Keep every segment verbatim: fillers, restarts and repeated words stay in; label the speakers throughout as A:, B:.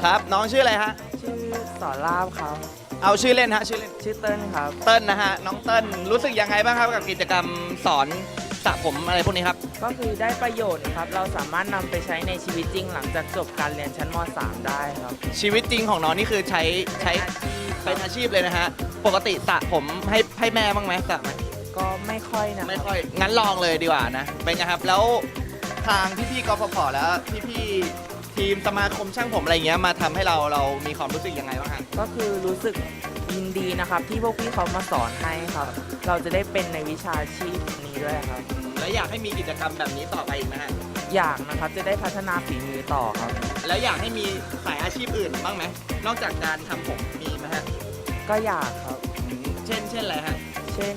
A: ครับน้องชื่ออะไรฮะ
B: ชื่อสอนลาบครับ
A: เอาชื่อเล่นฮะชื่อเล่น
B: ชื่อเติ้ลครับ
A: เติ้ลนะฮะน้องเติ้ลรู้สึกยังไงบ้างครับกับกิจกรรมสอนสระผมอะไรพวกนี้ครับ
B: ก็คือได้ประโยชน์ครับเราสามารถนำไปใช้ในชีวิตจริงหลังจากจบการเรียนชั้นม .สาม ได้ครับ
A: ชีวิตจริงของน้องนี่คือใช้ใช้เป็นอาชีพเลยนะฮะปกติสระผมให้ให้แม่บ้างไหมสระไหม
B: ก็ไม่ค่อยนะ
A: ไม่ค่อยงั้นลองเลยดีกว่านะเป็นไงครับแล้วทางพี่ๆกฟผแล้วพี่ๆทีมสมาคมช่างผมอะไรเงี้ยมาทำให้เราเรามีความรู้สึกยังไงบ้างฮะ
B: ก็คือรู้สึกยินดีนะครับที่พวกพี่เขามาสอนให้ครับเราจะได้เป็นในวิชาชีพนี้ด้วยครับ
A: แล้วอยากให้มีกิจกรรมแบบนี้ต่อไปอีกไหมฮะ
B: อยากนะครับจะได้พัฒนาฝีมือต่อครับ
A: แล้วอยากให้มีสายอาชีพอื่นบ้างไหมนอกจากการทำผมมีไหมฮะ
B: ก็อยากครับ
A: เช่นเช่นอะไรฮะ
B: เช่น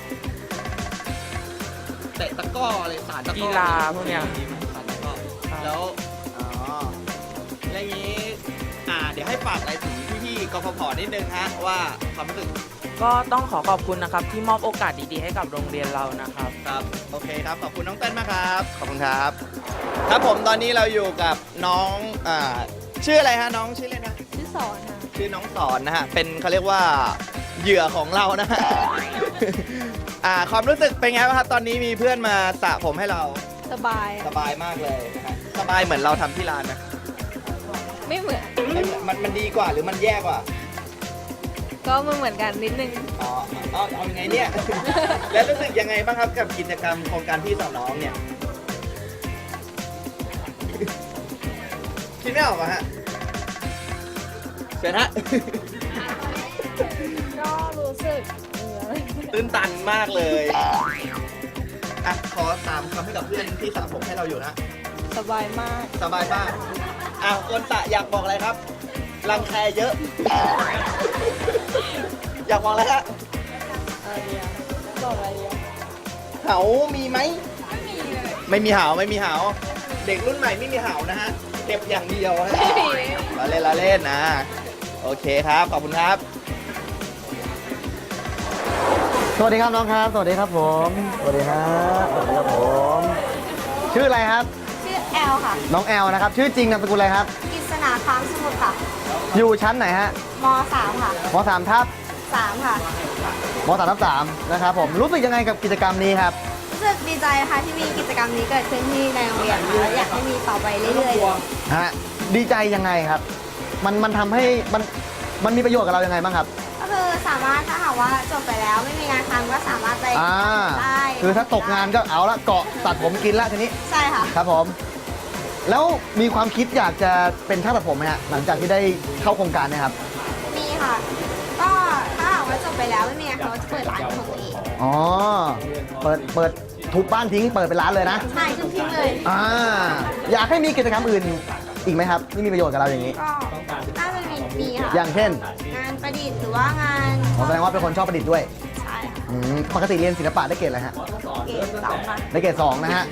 A: เตะตะก้ออะไรสารตะก้อ
B: กีฬาพวกเนี้ย
A: สารตะก้อแล้วอ๋ออะไรอย่างนี้อ่าเดี๋ยวให้ฝากอะไรถึงพี่ๆกฟผนิดนึงฮะว่าความรู้สึก
B: ก็ต้องขอขอบคุณนะครับที่มอบโอกาสดีๆให้กับโรงเรียนเรานะครับ
A: ครับโอเคครับขอบคุณน้องเต้นมากครับขอบคุณครับครับผมตอนนี้เราอยู่กับน้องอ่าชื่ออะไรฮะน้องชื่อเล่นนะ
C: ชื่อสอนค่ะ
A: ชื่อน้องสอนนะฮะเป็นเขาเรียกว่าเหยื่อของเรานะฮะอ่าความรู้สึกเป็นไงบ้างครับตอนนี้มีเพื่อนมาสระผมให้เรา
C: สบาย
A: สบายมากเลยนะฮะสบายเหมือนเราทำที่ร้านนะ
C: ไม่เหมือน
A: มันมันดีกว่าหรือมันแย่กว่า
C: ก็มันเหมือนกันนิดนึง
A: อ๋อเอาเอายังไงเนี่ย แล้วรู้สึกยังไงบ้างครับกับกิจกรรมโครงการพี่สอนน้องเนี่ยคิดไม่ออกอะฮะเชิญฮะ
C: ก็รู้สึก
A: ตื้นตันมากเลยอ่ะขอตามคำให้กับเพื่อนที่สระผมให้เราอยู่นะ
C: สบายมาก
A: สบายมากอ้าวคนสระอยากบอกอะไรครับรังแคเยอะอยากบอกอะไรฮะ
C: อะไรอ่ะบอกอะไรอ่ะ
A: เหามีไหมไม่มีเลยไม่มีเหาไม่มีเหาเด็กรุ่นใหม่ไม่มีเหานะฮะเก็บอย่างเดียวนะเราเล่นเราเล่นนะโอเคครับขอบคุณครับ
D: สวัสดีครับน้องครับสวัสดีครับผมสวัสดีครับสวัสดีครับผมชื่ออะไรครับ
C: ชื่อแอลค่ะ
D: น้องแอลนะครับชื่อจริงนามสกุลอะไรครับ
C: กฤษณาค้างสมุทรค่ะ
D: อยู่ชั้นไหนฮะ
C: ม สาม ค่ะ
D: ม สาม ทับ
C: สามค่ะ
D: ม สาม ทับสามนะครับผมรู้สึกยังไงกับกิจกรรมนี้ครับ
C: รู้สึกดีใจค่ะที่มีกิจกรรมนี้เกิดขึ้นที่ในโรงเรียนค่ะอยากให้มีต่อไปเรื่อย
D: ๆฮะดีใจยังไงครับมันมันทำให้มันมันมีประโยชน์กับเรายังไงบ้างครับ
C: ก็คือสามารถถ้าหากว่าจบไปแล้วไม่มีงานทำก็สามารถไปได้
D: คือถ้าตกงานก็เอาละเกาะตัดผมกินละทีนี้
C: ใช่ค่ะ
D: ครับผมแล้วมีความคิดอยากจะเป็นช่างตัดผมไหมฮะหลังจากที่ได้เข้าโครงการนะครับ
C: มีค่ะก็ถ้าหากว่าจบไปแล้วไม่มีงานเขาจะเปิดร้านของตัวเอง
D: อ๋อเปิดเปิดทุบบ้านทิ้งเปิดเป็นร้านเลยนะ
C: ใช่ทุบทิ้งเลย
D: อ่าอยากให้มีกิจกรรมอื่นอีกไหมครับที่มีประโยชน์กับเราอย่างนี้
C: ก็น่าจะมีมีค่ะ
D: อย่างเช่น
C: งานประดิษฐ์หรือว่างาน
D: แสดงว่าเป็นคนชอบประดิษฐ์ด้วย
C: ใช่
D: ปกติเรียนศิลปะได้เกรดอะไรฮะ
C: เกรดสองค่ะ
D: ได้เกรดสองนะฮะ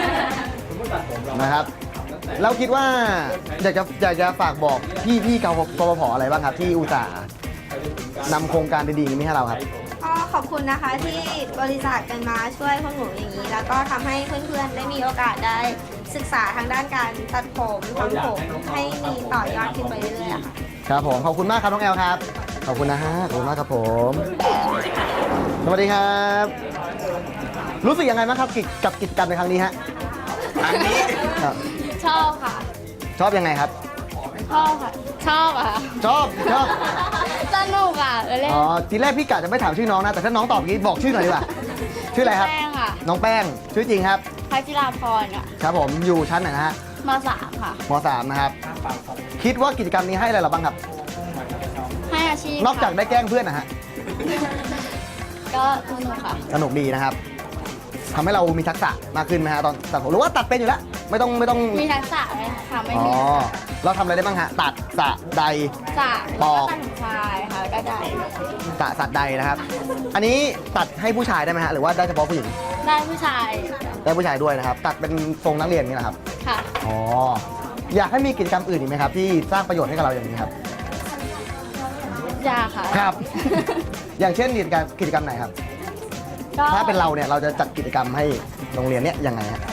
D: นะครับเราคิดว่าอยากจะอยากจะฝากบอกพี่พี่กฟผอะไรบ้างครับที่อุตส่าห์นำโครงการดีๆนี้ให้เราครับ
C: ก็ขอบคุณนะคะที่บริจาคกันมาช่วยพวกหนูอย่างนี้แล้วก็ทำให้เพื่อนๆได้มีโอกาสได้ศึกษาทางด้านการตัดผมทำผมให้มีต่อยอดขึ้นไปเรื่อยๆค่ะ
D: ครับผมขอบคุณมากครับน้องแอลครับขอบคุณนะฮะขอบคุณมากครับผมสวัสดีครับรู้สึกยังไงบ้างครับกับกิจกรรมในครั้งนี้ฮะ
A: ครั้งนี้
C: ชอบค่ะ
D: ชอบยังไงครับ
C: ชอบค่ะชอบอ่ะ
D: ชอบชอบ
C: สนุกอ่ะเล่น
D: อ๋อทีแรกพี่กะจะไม่ถามชื่อน้องนะแต่ถ้าน้องตอบงี้บอกชื่อหน่อยดีกว่าชื่ออะไรครับ
C: แป้งค่ะ
D: น้องแป้งชื่อจริงครับ
C: พัชราพรอ่ะ
D: ครับผมอยู่ชั้นไหนนะฮะ
C: ม สาม ค่ะ
D: ม สาม นะครับคิดว่ากิจกรรมนี้ให้อะไรเราบ้างครับ
C: ให้อาชีพ
D: นอกจากได้แกล้งเพื่อนนะฮะ
C: ก็สนุกค่ะ
D: สนุกดีนะครับทำให้เรามีทักษะมากขึ้นไหมฮะตอนตัดผมหรือว่าตัดเป็นอยู่แล้วไม่ต้องไม่ต้อง
C: มีทักษะไหมค่ะไม่มี
D: อ๋อเราทำอะไรได้บ้างฮะตัดสะใด
C: สะ
D: ปอก
C: ใช่ค่ะก็ได้
D: ตัดสัตว์ใดนะครับอันนี้ตัดให้ผู้ชายได้ไหมฮะหรือว่าได้เฉพาะผู้หญิง
C: ได้ผู้ชาย
D: ได้ผู้ชายด้วยนะครับตัดเป็นทรงนักเรียนนี่นะครับ
C: ค่ะ
D: อ๋ออยากให้มีกิจกรรมอื่นอีกไหมครับที่สร้างประโยชน์ให้กับเราอย่างนี้ครับ
C: อยากค่ะ
D: ครับอย่างเช่นกิจกรรมกิจกรรมไหนครับถ้าเป็นเราเนี่ยเราจะจัดกิจกรรมให้โรงเรียนเนี้ยยังไงฮะ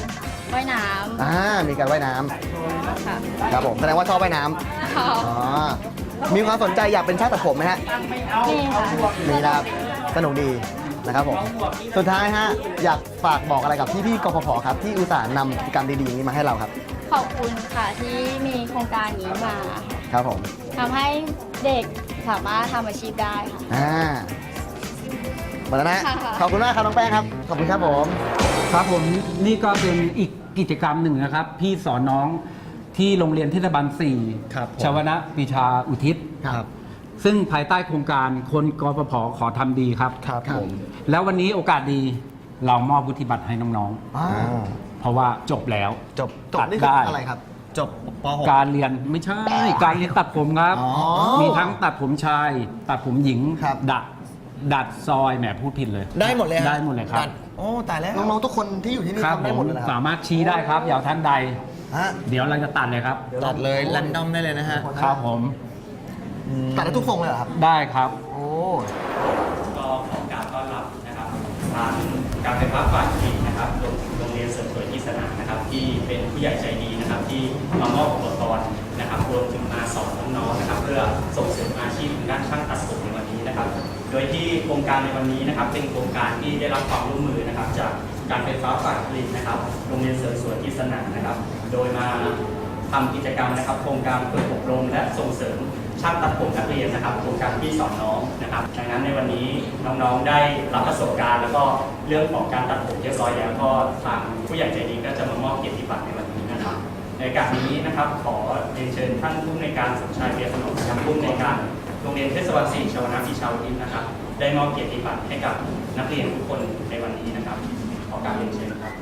E: ว่ายน้
D: อ่ามีการว่ายน้
E: ำค่ะ
D: ำครับผมแสดงว่าชอบว่ายน้ำ
E: ค่ะ
D: อ๋อมีความสนใจอยากเป็นช่างตัดผมไหมฮะ
E: นี่ค่ะ
D: มีนะครับสนุกดีนะครับผมสุดท้ายฮะอยากฝากบอกอะไรกับพี่ๆกพผครับที่อุตส่าห์นำกิจกรรมดีๆอย่างนี้มาให้เราครับ
E: ขอบคุณค่ะที่มีโครงการนี้มา
D: ครับผม
E: ทำให้เด็กสามารถทำอาชีพได้ค่ะ
D: อ่าหมดแล้วนะ
E: ค่ะ
D: ขอบคุณมากครับน้องแป้งครับขอบคุณครับผม
F: ครับผมนี่ก็เป็นอีกกิจกรรมหนึ่งนะครับ พี่สอนน้องที่โรงเรียนเทศบาลสี่
D: ครับผม
F: ชวนะปิชาอุทิศ
D: ครับ
F: ซึ่งภายใต้โครงการคนกปภขอทำดีครับ
D: ครับผม
F: แล้ววันนี้โอกาสดีเรามอบวุฒิบัตรให้น้อง
D: อ่า
F: ๆ เพราะว่าจบแล้ว
D: จบจบ
F: ตัด
D: นี่คือ
F: ได้
D: อะไรครับ จบป .หก
F: การเรียนไม่ใช่ การเรียนตัดผมครับ
D: อ๋อ
F: มีทั้งตัดผมชาย ตัดผมหญิง
D: ครับ
F: ดัดดัดซอยแหมพูดผิดเลย
A: ได้หมดเลยฮะ
F: ได้หมดเลยครับ
A: ดัดโอ้ตายแล้ว
D: น้องๆทุกคนที่อยู่ที่นี่
F: ครับ
D: ทำได้หมดเลยนะค
F: สา
D: รับ
F: มารถชี้ได้ครับอยาวท่านใด
D: ฮะ
F: เดี๋ยวเราจะตัดเลยครับ
A: ตัดเลยแรนดอมได้เลยนะฮะ
F: ครับผม
D: ตัดได้ทุกทรงเลยเหรอครับ
F: ได้ครับ
D: โอ้
G: ก็ขอการต้อนรับนะครับทางการไฟฟ้าฝ่ายผลิตนะครับโรงโรงเรียนเสริมสวยที่สนามนะครับ ที่เป็นผู้ใหญ่ใจดีนะครับ ที่มามอบอุปกรณ์นะครับรวมถึงมาสอนน้องๆนะครับ เพื่อส่งเสริมอาชีพด้านช่างตัดผมในวันนี้นะครับ โดยที่โครงการในวันนี้นะครับ เป็นโครงการที่ได้รับความร่วมมือนะครับ จากการไฟฟ้าฝ่ายผลิตนะครับ โรงเรียนเสริมสวยที่สนามนะครับ โดยมาทำกิจกรรมนะครับ โครงการฝึกอบรมและส่งเสริมช่างตัดผมนักเรียนนะครับ โครงการพี่สอนน้องนะครับดังนั้นในวันนี้น้องๆได้รับประสบการณ์ แล้วก็เรื่องของการตัดผมเรียบร้อยแล้วก็ทางผู้ใหญ่ใจดีก็จะมามอบเกียรติบัตรในวันนี้นะครับ ในการนี้นะครับขอเรียนเชิญท่านผู้อำนวยการสมชายเบียร์ขนมนะครับผู้อำนวยการโรงเรียนเทศบาลสี่ชวนาพิชาวทิพย์นะครับ ได้มอบเกียรติบัตรให้กับนักเรียนทุกคนในวันนี้นะครับ ขอการเรียนเชิญครับ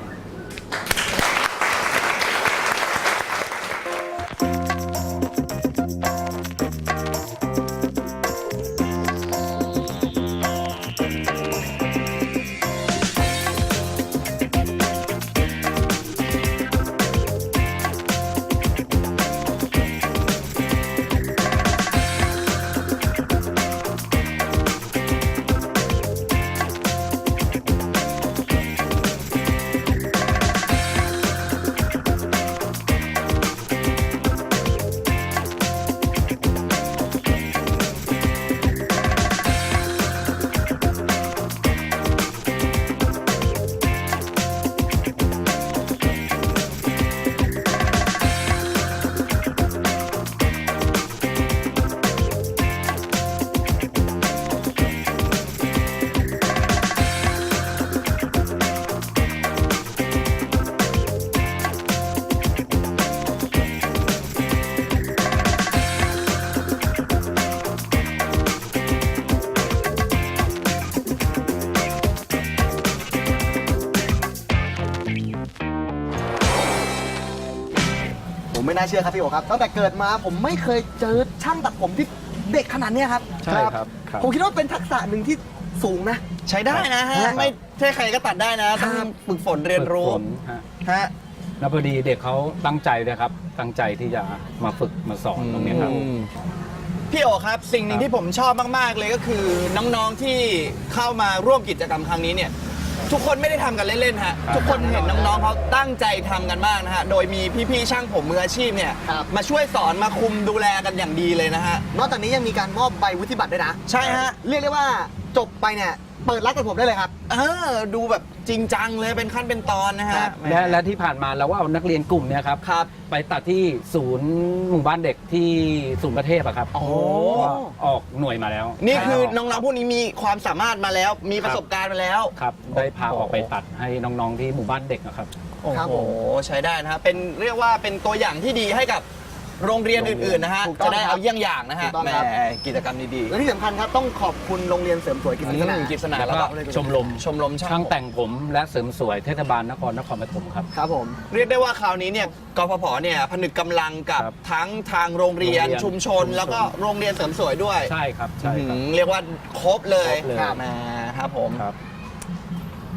D: ผมไม่น่าเชื่อครับพี่โอครับตั้งแต่เกิดมาผมไม่เคยเจอช่างตัดผมที่เด็กขนาดเนี้ยครับ
F: ใช่ครับครับ
D: ผมคิดว่าเป็นทักษะหนึ่งที่สูงนะ
A: ใช้ได้นะฮะ
D: ครับ
A: ไม่ใช่ใครก็ตัดได้นะ ต้องฝึกฝนเรียนรู้
F: ฝึกฝนฮะ
A: ฮะ
F: แล้วพอดีเด็กเขาตั้งใจเลยครับ ตั้งใจที่จะมาฝึกมาสอนตรงนี้ครับ
A: พี่โอครับ สิ่งหนึ่งที่ผมชอบมากๆเลยก็คือน้องๆที่เข้ามาร่วมกิจกรรมครั้งนี้เนี่ยทุกคนไม่ได้ทำกันเล่นๆฮะ
F: ครับ
A: ทุกคนเห็นน้องๆเขาตั้งใจทำกันมากนะฮะโดยมีพี่ๆช่างผมมืออาชีพเนี่ย
D: ครับ
A: มาช่วยสอนมาคุมดูแลกันอย่างดีเลยนะฮะ
D: นอกจากนี้ยังมีการมอบใบวุฒิบัตรด้วยนะ
A: ใช่ฮะ
D: เรียกได้ว่าจบไปเนี่ยเปิดร้านตัดผมได้เลยครับ
A: เออดูแบบจริงจังเลยเป็นขั้นเป็นตอนนะฮะ
D: ครับ
A: แหม
F: และและที่ผ่านมาเราก็เอานักเรียนกลุ่มเนี้ยครับ
A: ครับ
F: ไปตัดที่ศูนย์หมู่บ้านเด็กที่ศูนย์ประเทศอะครับ
A: โอ้
F: ก็ออกหน่วยมาแล้ว
A: นี่คือ
F: ใช่
A: น้องๆพวกนี้มีความสามารถมาแล้ว มีประสบการณ์มาแล้ว
F: ครับ ได้พาออกไปตัดให้น้องๆที่หมู่บ้านเด็กนะครับ
A: โอ้
D: ครับ
A: โห
D: ผม
A: ใช้ได้นะฮะเป็นเรียกว่าเป็นตัวอย่างที่ดีให้กับโรงเรียนอื่นๆนะฮะ
D: ถูกต้อ
A: จะ
D: ง
A: ได้
D: ครับ
A: เอาเยี่ยงอย่างนะ
D: ถู
A: ฮะ
D: กต้อง
A: แหม
D: ครับ
A: กิจกรรมดี
D: และที่สำคัญครับต้องขอบคุณโรงเรียนเสริมสวยกิจ
A: ๆ
D: สนา
A: อืมกิจสนา
F: แล้ว
A: แล้ว
F: ก็
A: ก็
F: ชมรม
A: ชมรมช่าง
F: ช่างแต่งผมและเสริมสวยเทศบาลนครนครปฐมครับ
D: ครับผม
A: เรียกได้ว่าคราวนี้เนี่ยกพผเนี่ยผนึกกำลังกับ
F: ครับ
A: ทั้งทางโรงเรียน
F: โรงเรียน
A: ชุมชน
F: ชุมชน
A: แล้วก็โรงเรียนเสริมสวยด้วย
F: ใช่ครับใช่ครับ
A: อืมเรียกว่าครบเลย
F: ครบเลย
A: ครับแหมครับผม
F: ครับ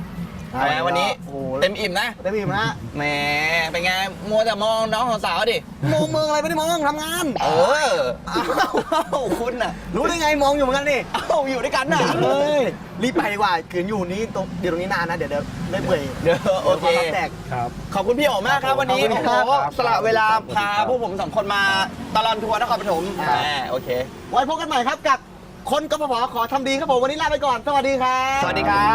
A: แหมวันนี้
D: โอ้โห
A: เต็มอิ่มนะ
D: เต็มอิ่มฮะ
A: แหมเป็นไงมัวแต่มองน้องสาวๆดิ
D: มองเมืองอะไรไม่ได้มองทำงาน
A: เอออ้าวคุณน่ะ
D: รู้ได้ไงมองอยู่เหมือนกันนี่
A: เอ้าอยู่ด้วยกันน่ะ
D: เฮ้ยรีบไปดีกว่าขืนอยู่นี้ตรงเดี๋ยวตรงนี้นานนะเดี๋ยวเดี๋ยวได้เปื่อย
A: เดี๋ยวโอเค
D: ดี๋ยวความลับแตก
F: ครับ
A: ขอบคุณพี่โอ๋มากครับวันนี้
D: ขอบคุณครับ
A: โอ้โหสละเวลาพาพวกผมสองคนมาตลอดทัวร์นครปฐม
D: ครับ
A: แหมโอเค
D: ไว้พบกันใหม่ครับกับคนกฟผขอทำดีครับผมวันนี้ลาไปก่อนสวัสดีครับ
A: สวัสดีครับ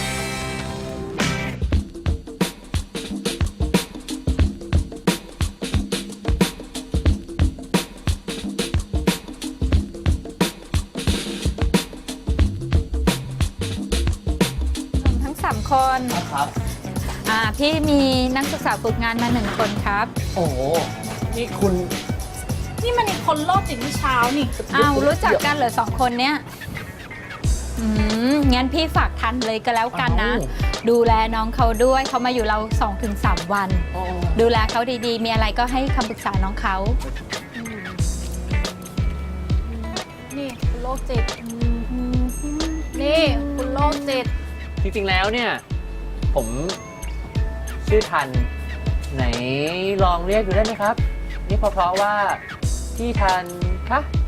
H: ทั้งสามคน
A: ครับ
H: อ่าพี่มีนักศึกษาฝึกงานมาหนึ่งคนครับ
D: โอ้โหนี่คุณ
E: นี่มันอีกคนโลกจิตเมื่อเช้านี่
H: อ้าวรู้จักกันเหรอสองคนเนี้ยอืมงั้นพี่ฝากทันเลยก็แล้วกันนะ ดูแลน้องเขาด้วยเขามาอยู่เรา สองถึงสาม วัน ดูแลเขาดีๆ มีอะไรก็ให้คำปรึกษาน้องเขา
E: นี่คุณโลกจิตนี่คุณโลกจิต
I: จริงๆ แล้วเนี่ย ผมชื่อทัน ไหนลองเรียกดูได้ไหมครับ นี่เพราะๆว่าพี่ทันคะ